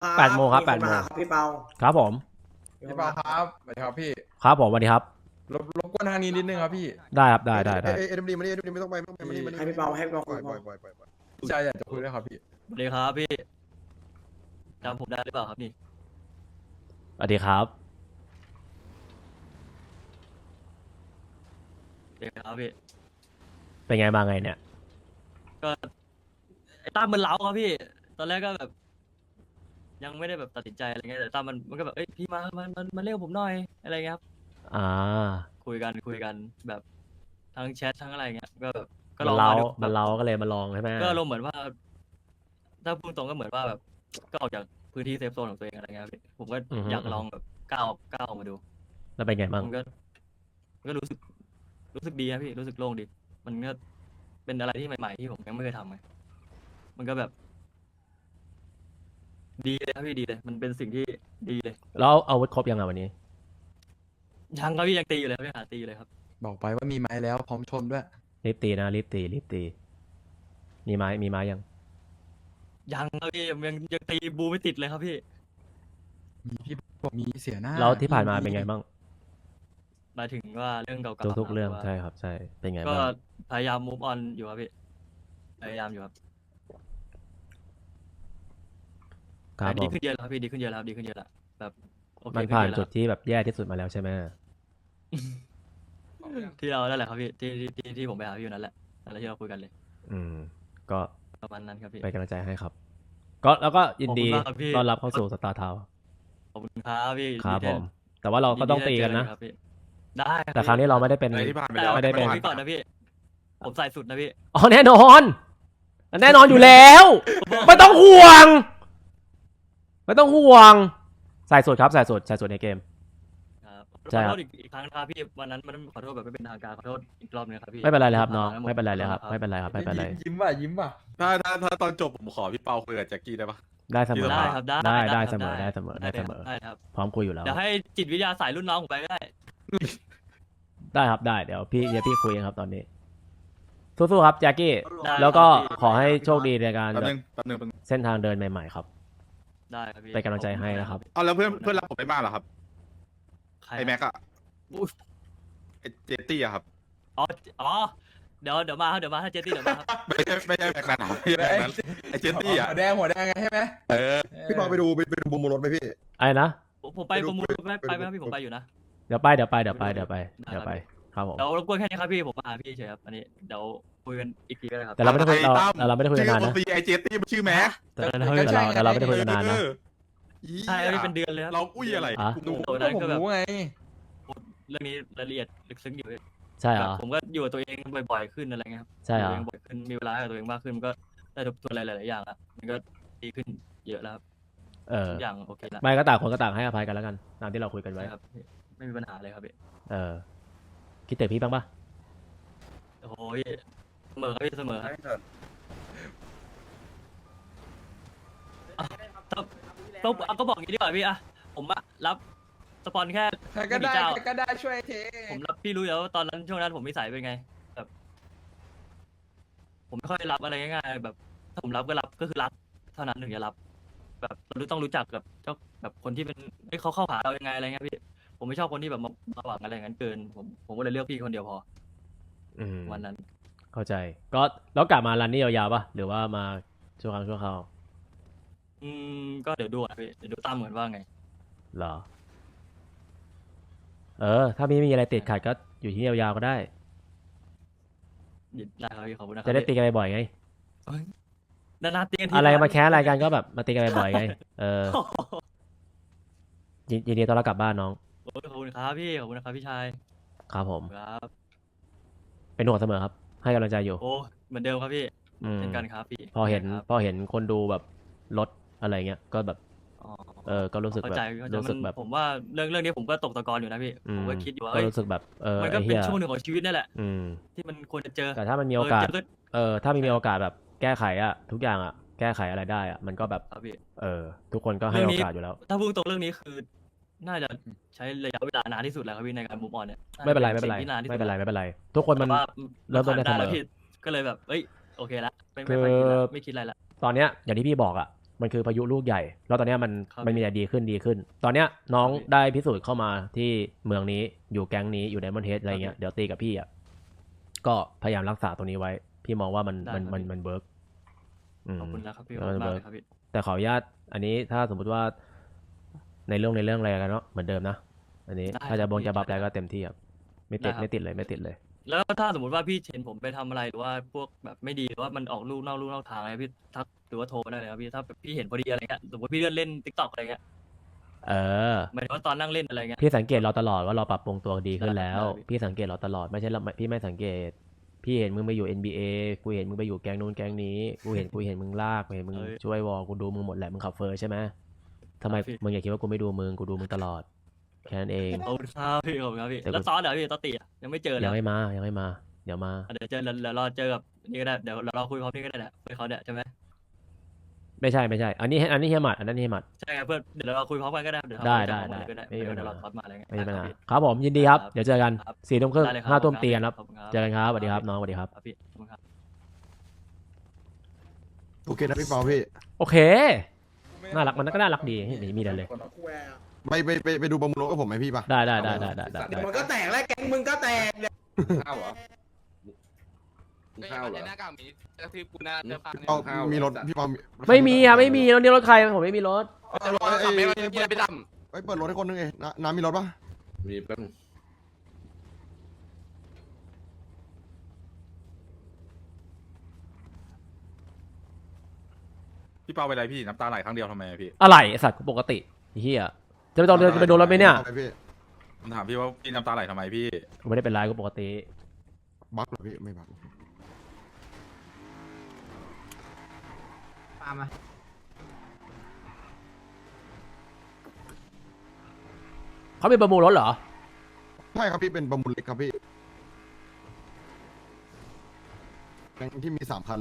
8 โมงครับ8 โมงพี่เปาครับผมพี่เปาครับสวัสดีครับพี่ครับผมสวัสดีครับรบกวนทางนี้นิดนึงครับพี่ได้ครับได้เอ็มดีมานี่เอ็มดีไม่ต้องไปมานี่ให้พี่เปาคุปล่อยยพอพี่ชายอยากจะคุยด้วยครับพี่สวัสดีครับพี่จำผมได้หรือเปล่าครับนี่สวัสดีครับสวัสดีครับพี่เป็นไงมาไงเนี่ยก็ไอ้ตั้มมันเล้าครับพี่ ตอนแรกก็แบบ ยังไม่ได้แบบตัดสินใจอะไรเงี้ยแต่ตั้มมันก็แบบเอ้ยพี่มาเรียกผมหน่อยอะไรเงี้ยครับอ่าคุยกันแบบทั้งแชททั้งอะไรเงี้ยก็แบบก็มัลนองเล้ามาดูมันเล้าก็เลยมาลองใช่ไหมก็ลงเหมือนว่า ถ้าพูดตรงก็เหมือนว่าแบบ ก็ออกจากพื้นที่เซฟโซนของตัวเองอะไรเงี้ยครับพี่ผมก็อยากลองแบบก้าวออกมาดูแล้วเป็นไงบ้างมันก็รู้สึกดีนะพี่รู้สึกโล่งดี มันก็เป็นอะไรที่ใหม่ๆที่ผมยังไม่เคยทำไงมันก็แบบ ดีเลยครับพี่ดีเลย มันเป็นสิ่งที่ดีเลยแล้วเอาอาวุธครบยังไงวันนี้ยังครับพี่ยังตีอยู่เลยครับพี่หาตีอยู่เลยครับบอกไปว่ามีไม้แล้วพร้อมชนด้วยรีบตีนะรีบตีมีไม้ยังยังครับพี่ยังตีบูไม่ติดเลยครับพี่มีพี่บอกมีเสียหน้าแล้วที่ผ่านมาเป็นไงบ้างหมายถึงว่าเรื่องเก่าๆทุกๆเรื่องหว่าใช่ครับใช่เป็นไงก็บ้างพยายาม move on อยู่ครับพี่พยายามอยู่ครับครับผดีมขึ้นเยอะแล้วครับพี่ดีขึ้นเยอะแล้วครับดีขึ้นเยอะแล้วแบบโอเคมันขึ้ผ่านเยอะจุแล้วดที่แบบแย่ที่สุดมาแล้วใช่ไหมที่เรานั่นแหละครับพี่ที่ผมไปหาพี่อยู่นั่นแหละนั่นแหละที่เราคุยกันเลยอืม ก็ประมาณนั้นครับพี่เป็นกำลังใจให้ครับ ก็แล้วก็ยินดีขอบคุณมากครับพี่ต้อนรับเข้าสู่สตาร์ทาวขอบคุณครับพี่ครับดีผเด่ม แต่ว่าเราก็ต้องตีกันนะครับพี่ได้ครับแต่ครั้งนี้เราไม่ได้เป็นอะไรที่ผ่านไปแต่แล้วไม่ได้เป็นผมพี่ก่อนนะพี่ ผมใส่สุดนะพี่อ๋อแน่นอนอยู่แล้ว ไม่ต้องห่วง ไม่ต้องห่วงใส่สุดครับใส่สุดในเกมครับใช่ขอครัโทบษอีกครั้งนะครับพี่วันนั้นมันขอโทษแบบไม่เป็นทางการขอโทษอีกรอบนึงครับพี่ไม่เป็นไรเลยครับน้องที่ผ่าาไม่เป็นไรเลยครับขอโทษไม่เป็นไรครับไม่เป็นไรยิ้มป่ะถ้าตอนจบผมขอพี่เปาคุยกับแจ็คกี้ได้ปะได้เสมอได้ครับได้ได้คเสรับมอได้เสมอได้ได้ครับพร้อมคุยอยู่แล้วเดี๋ยวให้จิตวิทยาสายรุ่นน้องผมไปก็ได้ได้ครับได้เดี๋ยวพี่คุยเองครับตอนนี้สู้ๆครับแจ็คกี้ได้แล้วก็ครับพี่ขอให้โชคดีในการแป๊บแบบนึงเส้นทางเดินใหม่ๆครับได้ครับพี่เป็นกำลังใจให้นะครับเอาแล้วเพื่อนรับผมไปบ้านเหรอครับใครไอแม็กอะอุ๊ยไอเจตตี้อะครับอ๋อเดี๋ยวมาครับเดี๋ยวมาถ้าเจตี้เดี๋ยวมาครับไม่ใช่แม็กนั้นหรอไม่ใช่แม็กนั้นไอเจตตี้อะหัวแดงไงใช่ไหมเออพี่เปาไปดูบูมรถไหมพี่ไอ้นะผมไปประมูลไปไหมครับพี่ผมไปอยู่นะเดี๋ยวไปครับผมเดี๋ยวรบกวนแค่นี้ครับพี่ผมมาหาพี่เฉยครับอันนี้เดี๋ยวคุยกันอีกทีก็ได้ครับแต่เราไม่ได้คุยไอ้ตั้มเราไม่ได้คุยกันนานนะชื่อไอเจตตี้มันชื่อแม็กแต่เราไม่ได้คุยกันนานนะใช่ครับพี่เป็นเดือนเลยครับเราอุ้ยอะไรอ่ะกูดูโอ้นั้นผมก็แบบรู้ไงเรื่องนี้รายละเอียดลึกซึ้งอยู่พี่ใช่เหรแบอบผมก็อยู่กับตัวเองบ่อยๆขึ้นอะไรเงี้ยครับใช่เหรอยู่กับตัวเองบ่อยขึ้นมีเวลาให้กับตัวเองมากขึ้นมันก็ได้ทบทวนอะไรหลายๆอย่างละมันก็ดีขึ้นเยอะแล้วครับเออทุกอย่างโอเคแล้วไม่ก็ต่างคนก็ต่างให้อภัยกันแล้วกันตามที่เราคุยกันไว้ใช่ครับพี่ไม่มีปัญหาเลยครับพี่เออคิดถึงพี่บ้างปะโอ้โหพี่เสมอครับพี่เสมอครับต้องก็บอกอย่างนี้ดีกว่าพี่อะผมอะรับสปอนแค่ใครก็ได้ม่กี่เจ้าใครก็ได้ช่วยเทผมรับพี่รู้อยู่แล้วว่าตอนนั้นช่วงนั้นผมนิสัยเป็นไงแบบผมไม่ค่อยรับอะไรง่ายๆแบบถ้าผมรับก็รับก็คือรับเท่านั้นถึงจะรับ แบบเราต้องรู้จักกับเจ้าแบบคนที่เป็นเขาเข้าหาเรายังไงอะไรเงี้ยพี่ผมไม่ชอบคนที่แบบมาหวังอะไรอย่างนั้นเกินผมก็เลยเลือกพี่คนเดียวพออืมวันนั้นเข้าใจก็แล้วกลับมารันนี่ยาวๆปะหรือว่ามาชั่วครั้งชั่วคราวก็เดี๋ยวดูอ่ะพี่เดี๋ยวดูตามเหมือนว่าไงเหรอเออ ถ้าไม่มีอะไรติดขัดก็อยู่ที่นี่ยาวๆก็ได้ได้ครับพี่ขอบคุณนะครัจะได้ตีกันบ่อยๆไงนานๆตีกันทีอะไรมาแค่อะไรกันก็แบบมาตีกันบ่อยๆไงเออยินดีต้อนรับกลับบ้านน้องโอ้ยขอบคุณครับพี่ขอบคุณนะครับพี่ชายครับผมครับเป็นห่วงเสมอครับ ให้กำลังใจอยู่โอ้เหมือนเดิมครับพี่อืมเช่นกันครับพี่พอเห็นครับคนดูแบบลดอะไรเงี้ยก็แบบอ๋อก็รู้สึกเข้าแบบใจเข้าใจรู้สึกแบบผมว่าเรื่องนี้ผมก็ตกตะกอนอยู่นะพี่อืผม มก็คิดอยู่ว่าก็รู้สึกแบบมันก็ไอ้เป็เหี้นยช่วงหนึ่งของชีวิตนั่นแหละอืมที่มันควรจะเจอแต่ถ้ามันมีโอกาสเจอถ้ามีโอกาสแบบแก้ไขอะทุกอย่างอะแก้ไขอะไรได้อะมันก็แบบครับพี่ทุกคนก็ให้เรื่โอองนี้กาสอยู่แล้วถ้าพูดตรงเรื่องนี้คือ น่าจะใช้ระยะเวลานานที่สุดแล้วครับพี่ในการมูฟออนเนี่ยไม่เป็นไราไม่จะเป็นไรสิ่งที่นานที่สุดไม่เป็นไรไม่เป็นไร ทุกคนมันแต่ว่าเริ่มต้นได้ผ่าเสมอแล้วพี่ก็เลยแบบเอ้ยโอเคละไม่คือค่อยคิดละไม่คิดอะไรละตอนเนี้ยอย่างที่พี่บอกอะมันคือพายุลูกใหญ่ แล้วตอนเนี้ยมันครับมันมีแต่ดีขึ้นดีขึ้น ตอนเนี้ยน้องครับพี่ได้พิสูจน์เข้ามาที่เมืองนี้อยู่แก๊งนี้อยู่ในมอนเทสอะไรเงี้ยครับพี่เดี๋ยวตีกับพี่อ่ะก็พยายามรักษาตรงนี้ไว้ พี่มองว่ามันได้มันครับมันพี่มันเวิร์กขอบคุณนะครับพี่เอขอบอคุณมากเวิเลร์กยครับพี่แต่ขออนุญาตอันนี้ถ้าสมมุติว่าในเรื่องอะไรกันเนาะเหมือนเดิมนะ อันนี้ได้ถ้าจะครับพี่จะบัฟได้อะไรก็เต็มที่ครับไม่ติดได้ครับไม่ติดเลยไม่ติดเลยแล้วถ้าสมมติว่าพี่เห็นผมไปทำอะไรหรือว่าพวกแบบไม่ดีหรือว่ามันออกลูกนอกทางอะไรพี่ทักหรือว่าโทรมาได้เลยครับพี่ถ้าแบบพี่เห็นพอดีอะไรเงี้ยสมมติพี่เลื่อนเล่นทิกตอกอะไรเงี้ยเออหมายถึงว่าตอนนั่งเล่นอะไรเงี้ยพี่สังเกตเราตลอดว่าเราปรับปรุงตัวดีขึ้นแล้วได้ครับพี่สังเกตเราตลอดไม่ใช่เราพี่ไม่สังเกต พี่เห็นมึงไปอยู่ NBA กูเห็นมึงไปอยู่แก๊งนู้นแก๊งนี้ กูเห็นมึงลากกูเห็นมึงเอ้ยช่วยวอลกูดูมึงหมดแหละมึงขับเฟอร์ใช่ไหมทำไมครับพี่มึงอย่าคิดว่ากูไม่ดูมึงกูดูมึงตลอดแค่นั้นเองขอบคุณครับพี่ขอบคุณครับพี่แต่แล้วซ้อนเดี๋ยวพี่ตอตติอะยังไม่เจอเลยยังไม่มาเดี๋ยวมาเดี๋ยวเจอเดี๋ยวรอเจอกับนี่ก็ได้เดี๋ยวเราคุยพร้อมนี่ก็ได้แหละคุยเขาเนี่ยใช่ไหมไม่ใช่อันนี้เฮียหมัดอันนั้นเฮียหมัดใช่ครับเพื่อนเดี๋ยวเราคุยพร้อมกันก็ได้เดี๋ยวได้เราได้ก็ได้ไม่มีปัญหาเดี๋ยวเราท็อตมาอะไรเงี้ยไม่มีปัญหาได้ครับผมยินดีครับครับเดี๋ยวเจอกันครับ 4 ทุ่มครึ่งได้เลยครับ 5 ทุ่มเตียนครับขอบคุณครับเจอกันครับสวัสดีครับน้องสวัสดีครับครับพี่ขอบคุณครับโอเคนะพี่เปาพี่โอเค น่ารักมันก็น่ารักดีไม่มีอะไรเลยไปดูประมูลรถกับผมไหมพี่ปะได้มันก็แตกแล้วแก๊งมึงก็แตกเนี่ยข้าวเหรอข้าวเหรอหน้ากากมีกระทืบกูหน้าเสื้อผ้าเนี่ยเอามีรถพี่เปาไม่มีครับไม่มีแล้วนี่รถใครผมไม่มีรถจะรอขับไม่ได้ไปดเปิดรถให้คนนึงเองน้ำมีรถปะมีแป๊บนึงพี่เปาเป็นไรพี่น้ำตาไหลครั้งเดียวทำไมอะพี่อะไรไอ้สัตว์กูปกติไอ้เฮียจะไปโดนรถไหมเนี่ยอาปพี่ผมถามพี่ว่าพี่น้ำตาไหลทำไมพี่กูไม่ได้เป็นไรกูปกติบักเหรอพี่ไม่บักตามมาเขาเป็นประมูลรถเหรอใช่ครับพี่เป็นประมูลเล็กครับพี่แก๊งที่มี3 คัน